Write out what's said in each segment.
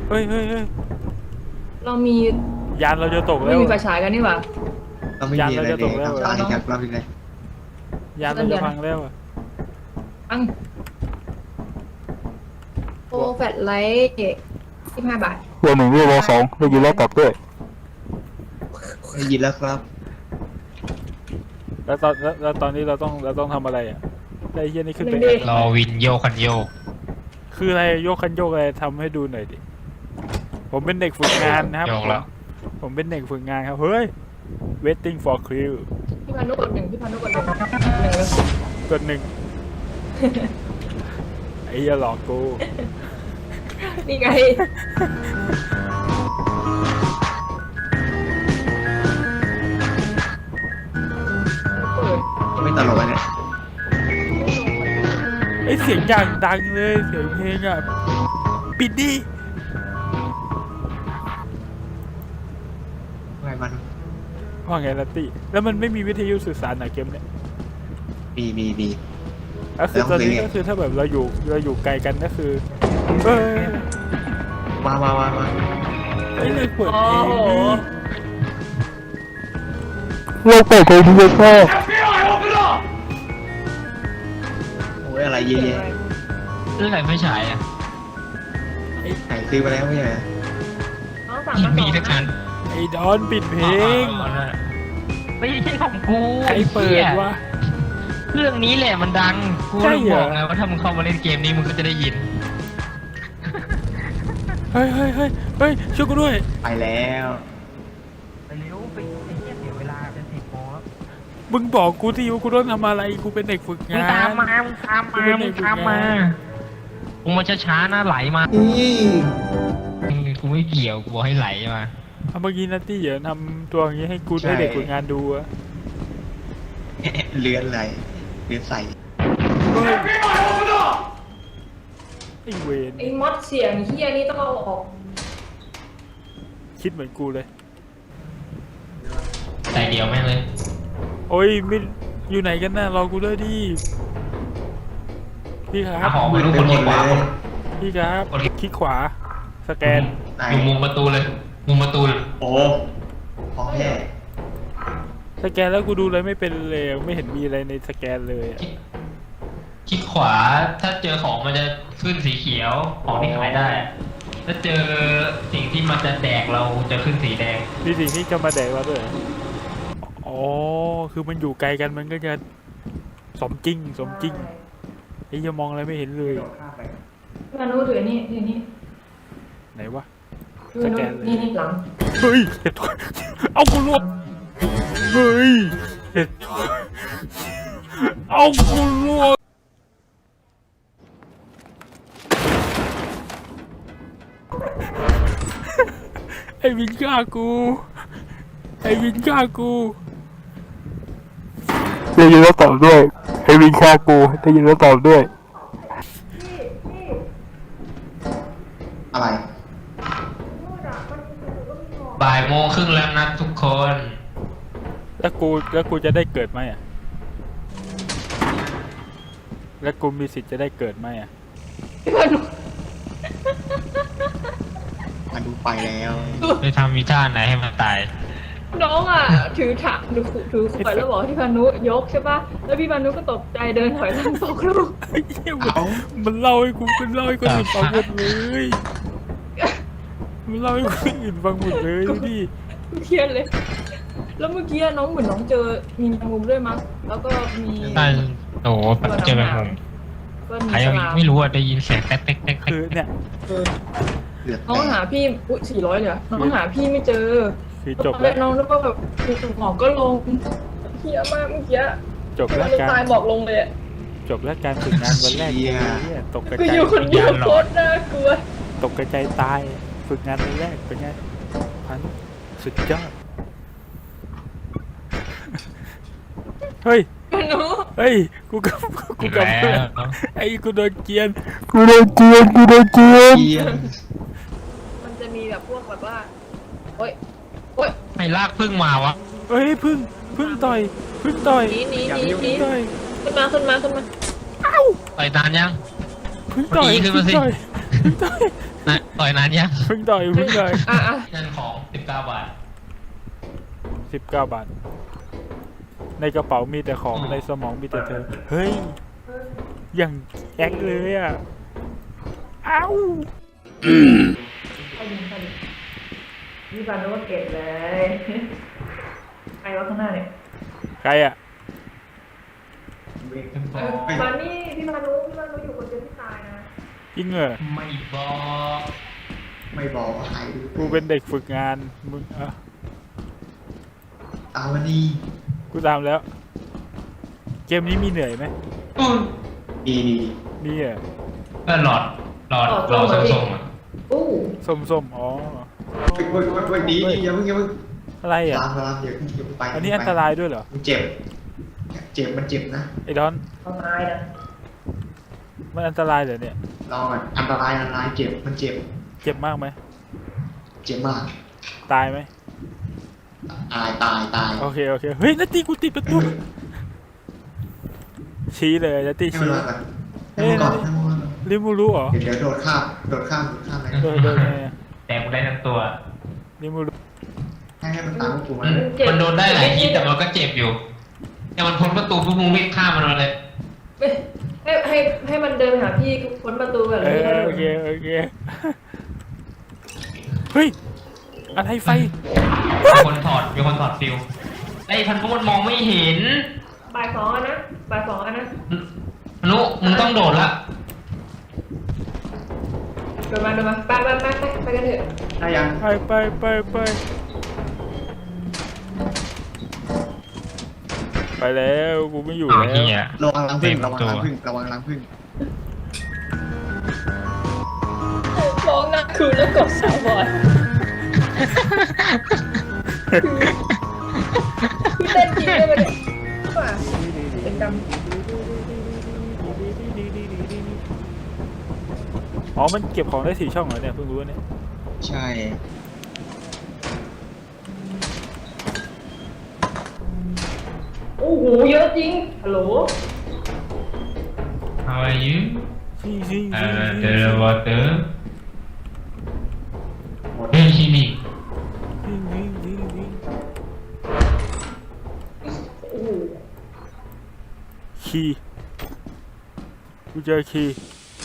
เฮ้ยเฮ้ยเฮ้ยเรามียานเราจะตกแล้ไม่วมีไฟฉายกันนี่หว่าเราไม่มีอะไรเลยทำตาดีจากเราอีกเลยยานเราจะพังแล้วอะอังโปรแฟลชไลท์25 บาทว1ด้วยว2ได้ยินแล้วตอบด้วยได้ยินแล้วครับแล้วตอนนี้เราต้องทำอะไรอ่ะได้เฮียนี่ขึ้นไปรอวินโยคันโยกคืออะไรโยกคันโยกอะไรทำให้ดูหน่อยดิผมเป็นเด็กฝึกงานนะครับโยกแล้วผมเป็นเด็กฝึกงานครับเฮ้ย waiting for crew พี่พานุกด1พี่พานุกด1 1เลยกดหนึ่ง ไอ้เหี้ยหลอกกูนี่ไงเปิดไม่ตลกเนี่ยไอ้เสียงอย่างดังเลยเสียงเพลงอ่ะปิดดิไงมันว่าไงลัตตี้แล้วมันไม่มีวิทยุสื่อสารเหรอเกมเนี้ยมีก็คือตอนนี้แล้วก็คือถ้าแบบเราอยู่ไกลกันก็คือเออมาไอ้เลยเปิดโอ้เพลงโหดิเราเปิดเพลงที่ชอบโอ้ยอะไรเยอะแยะเรื่องอะไรไม่ฉายอ่ะไหนซื้อมาแล้วไม่ใช่น้องสั่งมามีทุกอันไอ้ดอนปิดเพลงไม่ใช่ของกูใครเปิดวะเครื่องนี้แหละมันดังกูใช่เลยเหรอบอกไงว่าถ้ามึงเข้ามาเล่นเกมนี้มึงก็จะได้ยินเฮ้ยช่วยกูด้วยไปแล้วไปเร็วไปไอ้เหี้ยเสียเวลาเป็น10 โมงแล้วมึงบอกกูที่ว่ากูต้องทำอะไรกูเป็นเด็กฝึกมึงงาตามนมามึงมาช้าๆนะไหลมากูไม่เกี่ยวกูบอกให้ไหลมาเอาเมื่อกี้นัตตี้อย่าทำตัวอย่างนี้ให้กูให้เด็กฝึกงานดูอะเลือนอะไรเลือนใส่เฮ้ยไอ้เวนไอ้มอดเสียงเฮียนี่ต้องเอาออกคิดเหมือนกูเลยแต่เดียวแม่งเลยโอ้ยไม่อยู่ไหนกันน่ะรอกูด้วยดิพี่คหารับของไม่รู้คนที่ขวาคนพี่ครับคลิกขวาสแกนไหนอยู่มุมประตูเลยมุมประตูเลยโอ้ของแท้สแกนแล้วกูดูอะไรไม่เป็นเลยไม่เห็นมีอะไรในสแกนเลยอะคลิกขวาถ้าเจอของมันจะขึ้นสีเขียวของที่ขายได้อะถ้าเจอสิ่งที่มันจะแดกเราจะขึ้นสีแดงมีสิ่งที่จะมาแดกเราด้วยเหรออ๋อคือมันอยู่ไกลกันมันก็จะสมจริงไอ้ยังมองอะไรไม่เห็นเลยพี่พานุถือนี่ถือนี่ไหนวะพี่พานุนี่หลังเฮ้ยเห็ดเอากูรวบเฮ้ยเห็ดเอากูรวบไอ้วินฆ่ากูไอ้วินฆ่ากูได้ยินแล้วตอบด้วยให้วินฆ่ากูได้ยินแล้วตอบด้วยอะไรบ่ายโมงครึ่งแล้วนะทุกคนแล้วกูจะได้เกิดไหมอ่ะแล้วกูมีสิทธิ์จะได้เกิดไหมอ่ะพี่พานุมาดูไปแล้วจะทำมีท่าไหนให้มันตายน้องอ่ะถือถังถือขวดแล้วบอกให้พี่พานุยกใช่ป่ะแล้วพี่พานุก็ตกใจเดินถอยหลังตกลูกไอ้เหี้ยมันเล่าให้กูคนอื่นฟังหมดเลยมันเล่าให้คนอื่นฟังหมดเลยดูดิเครียดเลย แล้วเมื่อกี้น้องเหมือนน้องเจอมีแมงมุมด้วยมั้งแล้วก็มีใช่โอ้โหเจอแบบมุมก็มีใครฉยังลามไม่รู้อ่ะได้ยินเสียงแต๊กแต๊กแต๊กคือเนี่ยเลือดน้องหาพี่อุ้ย400เลยเหรอน้องหาพี่ไม่เจอคือจบแล้แล้ว วน้องนึกว่าแบบหมอกก็ลงเฮียมากเมื่อกี้จบแล้วมันการตายหมอกลงเลยอะจบแล้วการฝึกงานวันแรกกูเนี่ยตกกระกูจาอย ยู่คนเดียวโคตรน่ากลัวตกกระจายตายฝึกงานวันแรกเป็นไงพันสุดยอดเฮ้ยหนูเฮ้ยกูกลับแล้วไอ้กูโดนเกรียนกูโดนเกียนเกียนมันจะมีแบบพวกแบบว่าโอ๊ยโอ๊ยไม่ลากพึ่งมาวะเฮ้ยพึ่งต่อยหนีต่อยขึ้นมาไปนานยังพึ่งต่อยขึ้นมาสิพึ่งต่อยนะต่อยนานยังเพิ่งต่อยเพิ่งต่อยอ่ะนั่นของ19 บาท 19 บาท ในกระเป๋ามีแต่ของในสมองมีแต่เธอ เฮ้ย อย่างแอคเลยอ่ะ เอ้าไปดิพี่บานุก็เก็บเลยใครวะข้างหน้าเนี่ยใครอ่ะตอนนี้พี่บานุอยู่คนเดียวที่ตายนะจริงเหรอไม่บอกไม่บอกว่าใครกูเป็นเด็กฝึกงาน มึงอ่ะเอาวันนี้กูตามแล้ว เกมนี้มีเหนื่อยไหมดีมีอ่ะก็หลอดส้มๆอ่ะอู้ส้มๆ อ๋อวันนี้อย่าเพิ่งอะไรอ่ะตามอย่าเพิ่งไปอันนี้อันตรายด้วยเหรอมันเจ็บมันเจ็บนะไอ้ดอนเขาตายนะมันอันตรายเหรอเนี่ยลองอ่ะอันตรายเจ็บมันเจ็บเจ็บมากไหมเจ็บมากตายไหมตายโอเค เฮ้ยนาตีกูติดประตู ชี้เลยนาตีให้มันชี้มาก่อนให้มันก่อนลิมูรู้เหรอเดี๋ยวโดดข้ามอะไรโดนไงอะแต่กูได้ทั้งตัวลิมูรู้ให้มันตามพวกกูมามันโดนได้หลายทีแต่มันก็เจ็บอยู่แต่มันพ้นประตูพวกมึงวิ่งข้ามมันมาเลยให้มันเดินหาพี่พ้นประตูแบบนี้โอเคเฮ้ย อะไรไฟมีคนถอดฟิวไอ้พันธุ์พวกมันมองไม่เห็นบ่ายสองนะอนุมึงต้องโดดละเดินมาไปกันเถอะได้ยังไปแล้วกูไม่อยู่เอาแล้วเฮียระวังรังผึ้งระวังรังผึ้งร้องนะคือแล้วกดสาวบอยคือเต้นจริงเลยมันว่าเป็นดำอ๋อ มันเก็บของได้4 ช่องเหรอเนี่ย เพิ่งรู้เนี่ยใช่โอ้โหเยอะจริงฮัลโหล How are you ซิ the water เฮ้ยชิมิโอ้โหคีย์กูเจอคีย์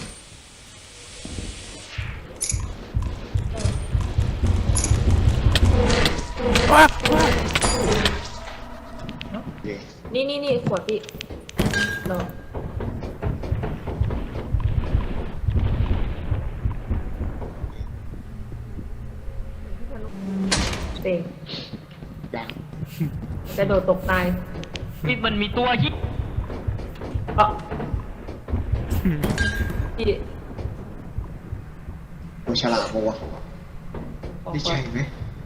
ว้านี่ขวดพี่รอเต็งกระโดดตกตายมันมีตัวยิบพี่กูฉลาดปะวะไม่ใช่ไหม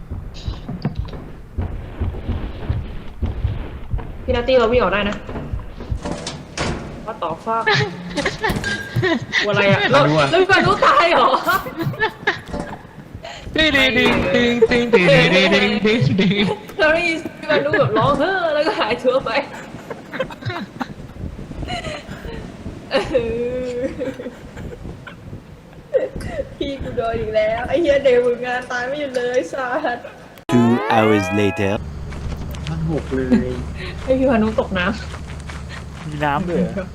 พี่นาตี้เราวิ่งออกได้นะว่าต่อฟากอะไรอ่ะแล้วพี่บานุตายเหรอดึงแล้วนี่พี่บานุแบบร้องเฮ้อแล้วก็หายตัวไปพี่กูโดนอีกแล้วไอ้เหี้ยเด็กฝึกงานตายไม่หยุดเลยสัส 2 hours later มันหกเลยให้พี่พานุตกน้มีน้ำด้วยเหรอ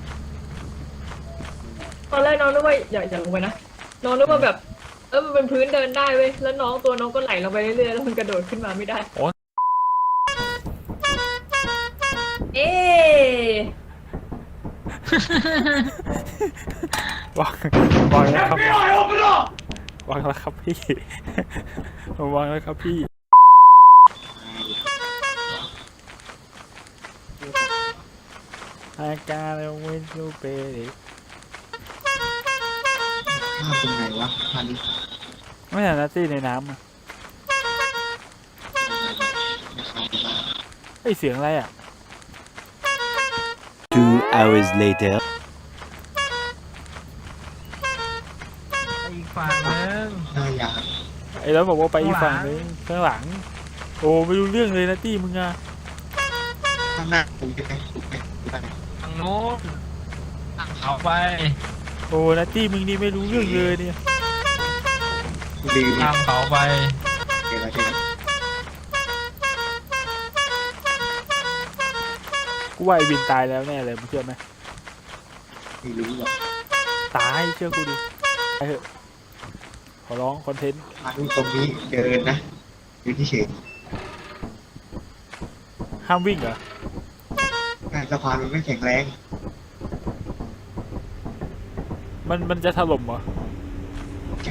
ำตอนแรกน้องนึกว่าอย่าลงไปนะน้องนึกว่าแบบมันเป็นพื้นเดินได้เว้ยแล้วตัวน้องก็ไหลลงไปเรื่อยๆแล้วมันกระโดดขึ้นมาไม่ได้เอ๊วางแล้วครับวางแล้วครับพี่วางแล้วครับพี่อาการเราไม่รู้เป็นข้ามตรงไหนวะพันไม่เห็นนาตี้ในน้ำอ่ะไอเสียงอะไรอ่ะ 2 hours later อีกฝั่งนึงได้ยังไอ้แล้วบอกว่าไปอีกฝั่งนึงข้างหลังโอ้ไม่รู้เรื่องเลยนาตี้มึงอ่ะข้างหน้ากูไปทางโน้นเอาไปโอ้นาตี้มึงนี่ไม่รู้เรื่องเลยเนี่ยลืมข้ามเขาไปเดี๋ยวเราเจอกูว่าไอวินตายแล้วแน่เลยมึงเชื่อไหมไม่รู้หรอกตายเชื่อกูดิไปเถอะขอร้องคอนเทนต์ทางตรงนี้เดินนะอยู่ที่เฉยห้ามวิ่งเหรอสะพานมันไม่แข็งแรงมันจะถล่มเหรอใช่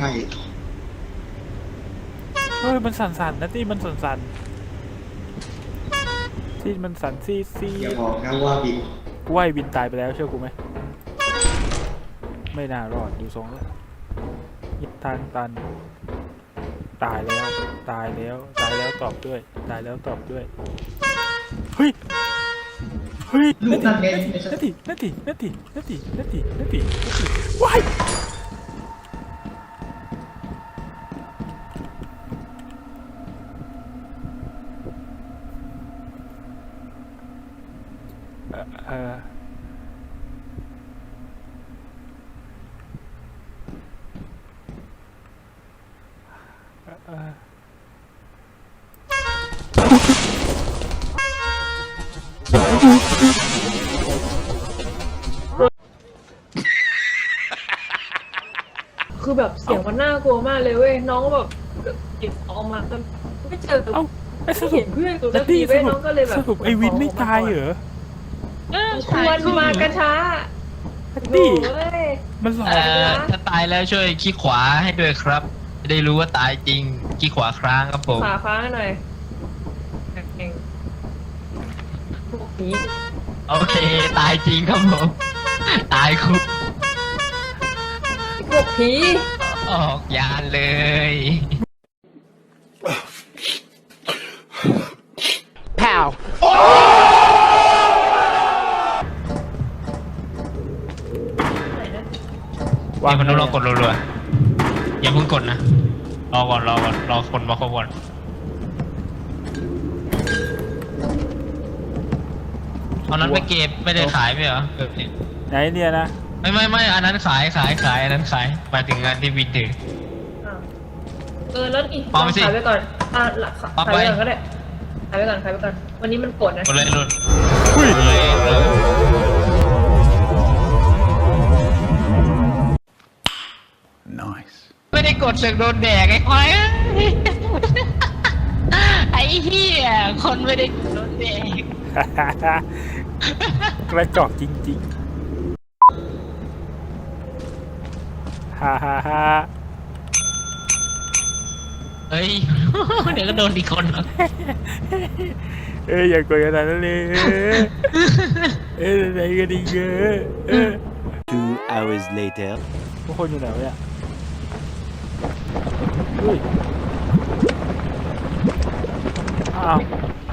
เฮ้ยมันสั่นๆนะที่มันสั่นๆที่มันสั่นซีซีอย่าบอกนะว่าบินกูว่าไอวินตายไปแล้วเชื่อกูไหมไม่น่ารอดดูทรงแล้วยิบทางตันตายแล้วตายแล้วตายแล้วตอบด้วยตายแล้วตอบด้วยเฮ้ยเฮ้ยลูกนั่นเองนาทีว้ายเออคือแบบเสียงมันน่ากลัวมากเลยเว้ยน้องก็แบบหยิบออกมาแต่ไม่เจอเอ้าไอ้สรุเห็ปนเพื่อนกูนาแล้วทีทีสเว้ยรุน้ปองก็เลยแบบสรุปไอวินไม่ตายเหรอควรมากระช้านาโอ้ทียมันหลอกถ้าตายแล้วช่วยขี้ขวาให้ด้วยครับ จะได้รู้ว่าตายจริงขี้ขวาครั้งครับผมขาฟ้าหน่อยเก่งพวกนี้โอเคตายจริงครับผมตายคุกพวกผีออกยานเลยวางนี่มันต้องลองกดรัวๆอย่าเพิ่งกดนะรอก่อนรอคนมาครบก่อนเอานั้นไปเก็บไม่ได้ขายไหมเหรอแบบนี้ไหนเนี่ยนะไม่อันนั้นขายอันนั้นขายหมายถึงงานที่วินถืออ้าวแล้วอีกปาไปสิขายไปก่อนปาขายไปไปก่อนก็ได้ขายไปก่อนวันนี้มันปวดนะกดเลยรุ่นอุ้ยเลย ไม่ได้กดเสือกโดนแดกไอ้ควายไอ้เหี้ยคนไม่ได้โดนแดกกระจอกจริงๆฮ่าฮ่าฮ่าเฮ้ย เดี๋ยวก็โดนอีกคนหรอกเอ้ยอย่ากดขนาดนั้นเลยเอ้ยไหนกันดีเยอะ 2 hours later. ทุกคนอยู่ไหนวะเนี่ยอุ้ยอ้าว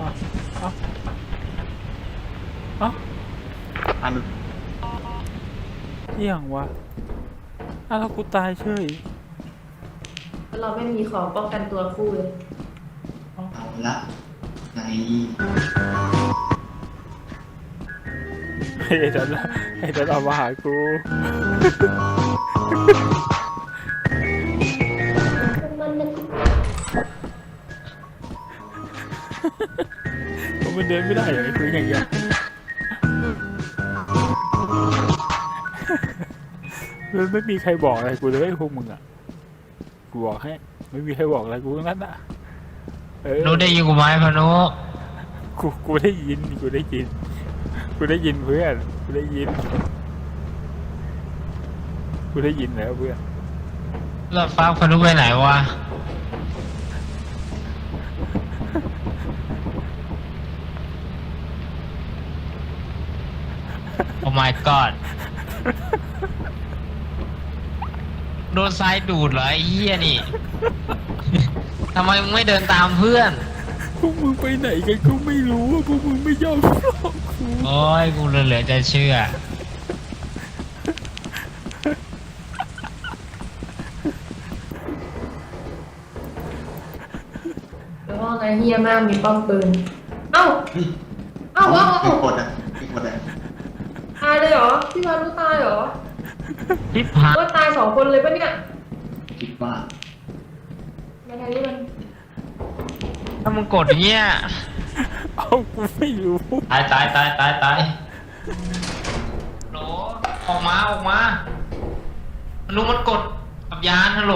อ้าวอันเอี่ยงวะอ้าวแล้วกูตายเฉยเราไม่มีของป้องกันตัวคู่เลยเอาละในไอ้ดันเอามาหากูมันเดินไม่ได้เหรอไอ้คุยอย่างเงี้ยแล้วไม่มีใครบอกอะไรกูเลยไอ้พวกมึงอ่ะกูบอกให้ไม่มีใครบอกอะไรกูทั้งนั้นอ่ะรู้ได้ยินกูไหมพานุกูได้ยินเพื่อนกูได้ยินแล้วเพื่อนแล้วฟ้าพานุไปไหนวะโอ้ my god โดนทรายดูดเหรอไอ้เหี้ยนี่ ทำไมมึงไม่เดินตามเพื่อนพวกมึงไปไหนกันก็ไม่รู้พวกมึงไม่ยอมบอกกูโอ้ยกูเหลือจะเชื่อแล้วว่าไงเฮียมากมีป้อมปืน เอ้าไม่กดอ่ะไม่กดอ่ะตายเลยเหรอพี่วานุตายเหรอทิพหายว่าตาย2 คนเลยปะเนี่ยคิดว่าทางนี้มันถ้ามึงกดอย่างเงี้ยเอากูไม่รู้ตายโหลออกมามันรู้มันกดกับยานฮัลโหล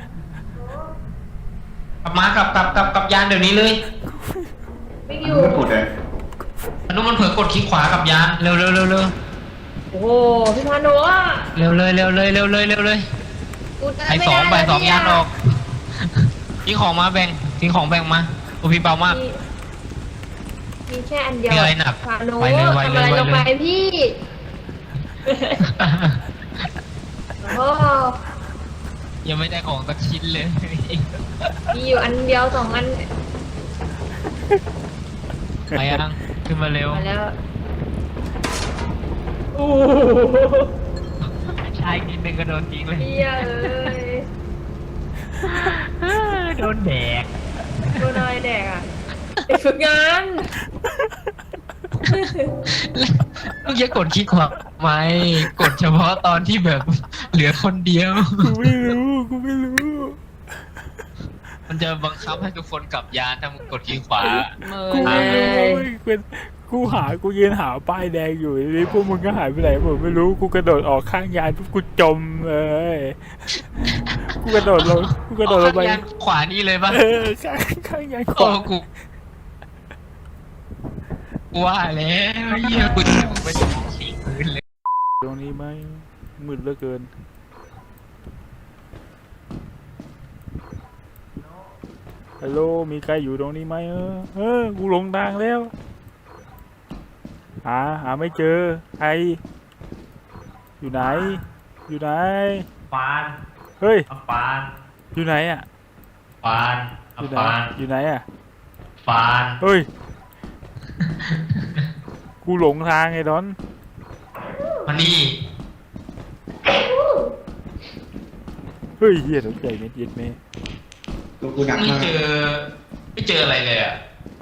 กลับมากลับยานเดี๋ยวนี้เลยไม่อมันยู่ไม่กดเลยมันรู้มันเผลอกดคลิกขวากับยานเร็วโอ้โหพี่พานุอ่ะเร็วเลยกูได้ไอ้ไม่สองได้ใบแล้ว 2 ยานออกทิ้งของมาแบ่งมาโอพี่เบามากมีแค่อันเดียวมีอะไรหนักพานุไวเลยทำอะไรลงไปพี่โอ้โหยังไม่ได้ของสักชิ้นเลยมีอยู่อันเดียว2 อันไปยังขึ้นมาเร็วมาแล้วโอ้ชายนิดนึงก็โดนทิ้งเลยเฮียเอ้ยโดนแดกโดนอะไรแดกอ่ะเด็กฝึกงานลูกอย่ากดคลิกขวาไหมกดเฉพาะตอนที่แบบเหลือคนเดียวกูไม่รู้มันจะบังคับให้ทุกคนกลับยานถ้ามึงกดคลิกขวากูไม่รู้กูยืนหาป้ายแดงอยู่นี่พวกมึงก็หายไปไหนผมไม่รู้กูกระโดดออกข้างยานปุ๊บกูจมเลยกูกระโดดลงไปยานขวานี่เลยปะข้างยานขโอ้วากูว่าแล้วเหี้ยกูจะไปฉีกพื้นเลยตรงนี้ไหมมืดเหลือเกินฮัลโหลมีใครอยู่ตรงนี้ไหมกูหลงทางแล้วหาไม่เจอใครอยู่ไหนปานเฮ้ยปานอยู่ไหนอ่ะปานอยู่ไหนอ่ะปานเฮ้ย กูหลงทางไงดอนมานี่เฮ้ยเฮียตกใจเม็ดเย็ดเมตัวกูหนักไม่มากไม่เจออะไรเลยอ่ะ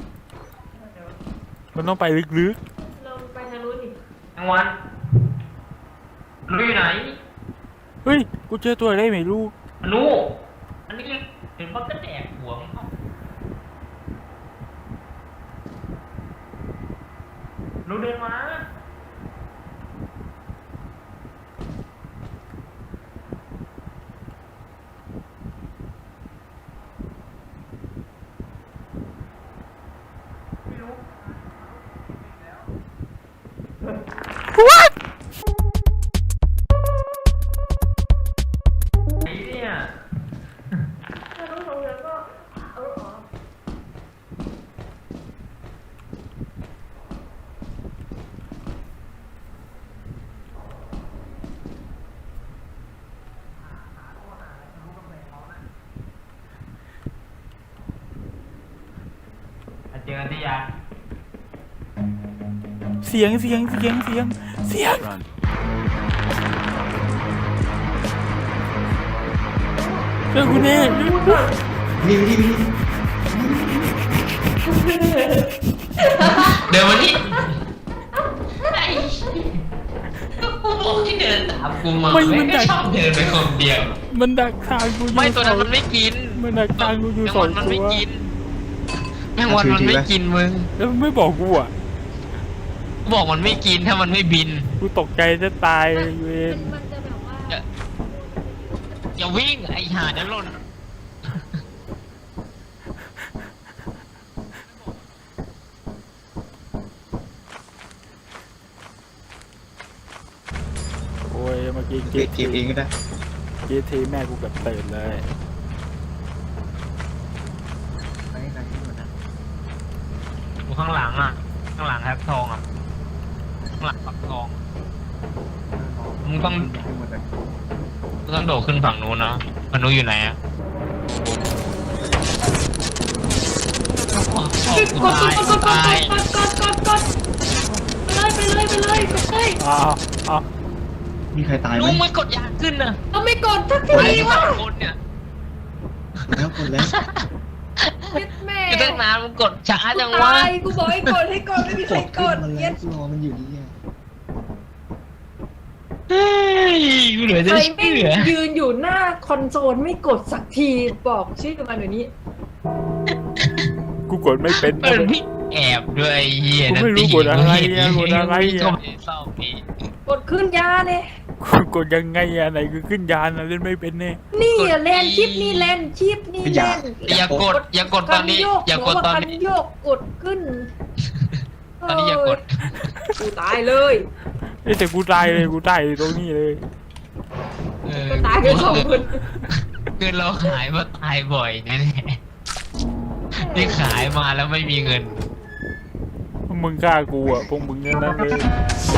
มันต้องไปลึกเราไปทางนู้นดิทั้งวันรู้อยู่ไหนๆเฮ้ยกูเจอตัวอะไรไม่รู้มนุอันนี้เห็นว่าก็แดกหัวมันเข้ารู้เดินมา ไอ้เนี่ยถ้าต้องลงแล้วก็เอาออกเจอกันที่ยังเสียงเจอกูแน่นี่เดินมานี่ไอ้กูบอกให้เดินตามกูมาไม่ก็ชอบเดินไปคนเดียวมันดักทางกูอยู่ไม่ตัวนั้นมันไม่กินมันดักทางกูอยู่แมงสอวังนมันตัไม่วกินแมงวันมันไม่กินมึงแล้วมันไม่บอกกูอ่ะกูบอกมันไม่กินถ้ามันไม่บินกูตกใจจะตายเวรมันจะแบบว่าอย่าวิ่งไอ้ห่าเดี๋ยวหล่นโอ้ยเมื่อกี้เก็บเองก็ได้ทีแม่กูเกับตื่นเลยกูข้างหลังอ่ะ ข้างหลังแฮปทองอ่ะ ข้างหลังปักทอง มึงต้องโดดขึ้นฝั่งนู้นนะฝั่งนู้นอยู่ไหนอ่ะกูตายกูตายกดไปเลยกดเลยอ้าวมีใครตายไหมลุงไม่กดยากขึ้นนะเราไม่กดสักไอ้ทีสวะองคนเนี่ยแล้วกดแล้วเย็ดแม่จะตั้งนานมึงกดช้าจังวะตายกูบอกให้กดไม่มีใครกดมันเย็แล้วดรอมันอยู่นี่เฮ้ยกูเหลือใคจะรเชื่ไม่อยืนอยู่หน้าคอนโซลไม่กดสักทีบอกชื่อมาเดี๋ยวนี้กูกดไม่เป็นเปิดพี่แอบด้วยไอ้เหี้ยกูไม่รู้กดอะไรอะกดอะไรอะก็ไม่เศร้าพี่กดขึ้นยาเนี่ยกูกดยังไงอะไหนคือขึ้นยานอะเล่นไม่เป็นแน่นี่อะแลนชิปนี่แลนชิปนี่แลนอย่ากดอย่ากดตอนนี้ อย่ากดตอนคันนี้โยกกดขึ้นตอนนี้อย่ากดกูตายเลยเอ้ยแต่กูตายเลยกูตายตรงนี้เลยเออตายกันสองคนคือเราขายมาตายบ่อยแน่ๆนี่ขายมาแล้วไม่มีเงินมึงฆ่ากูอะพวกมึงนั่นเลย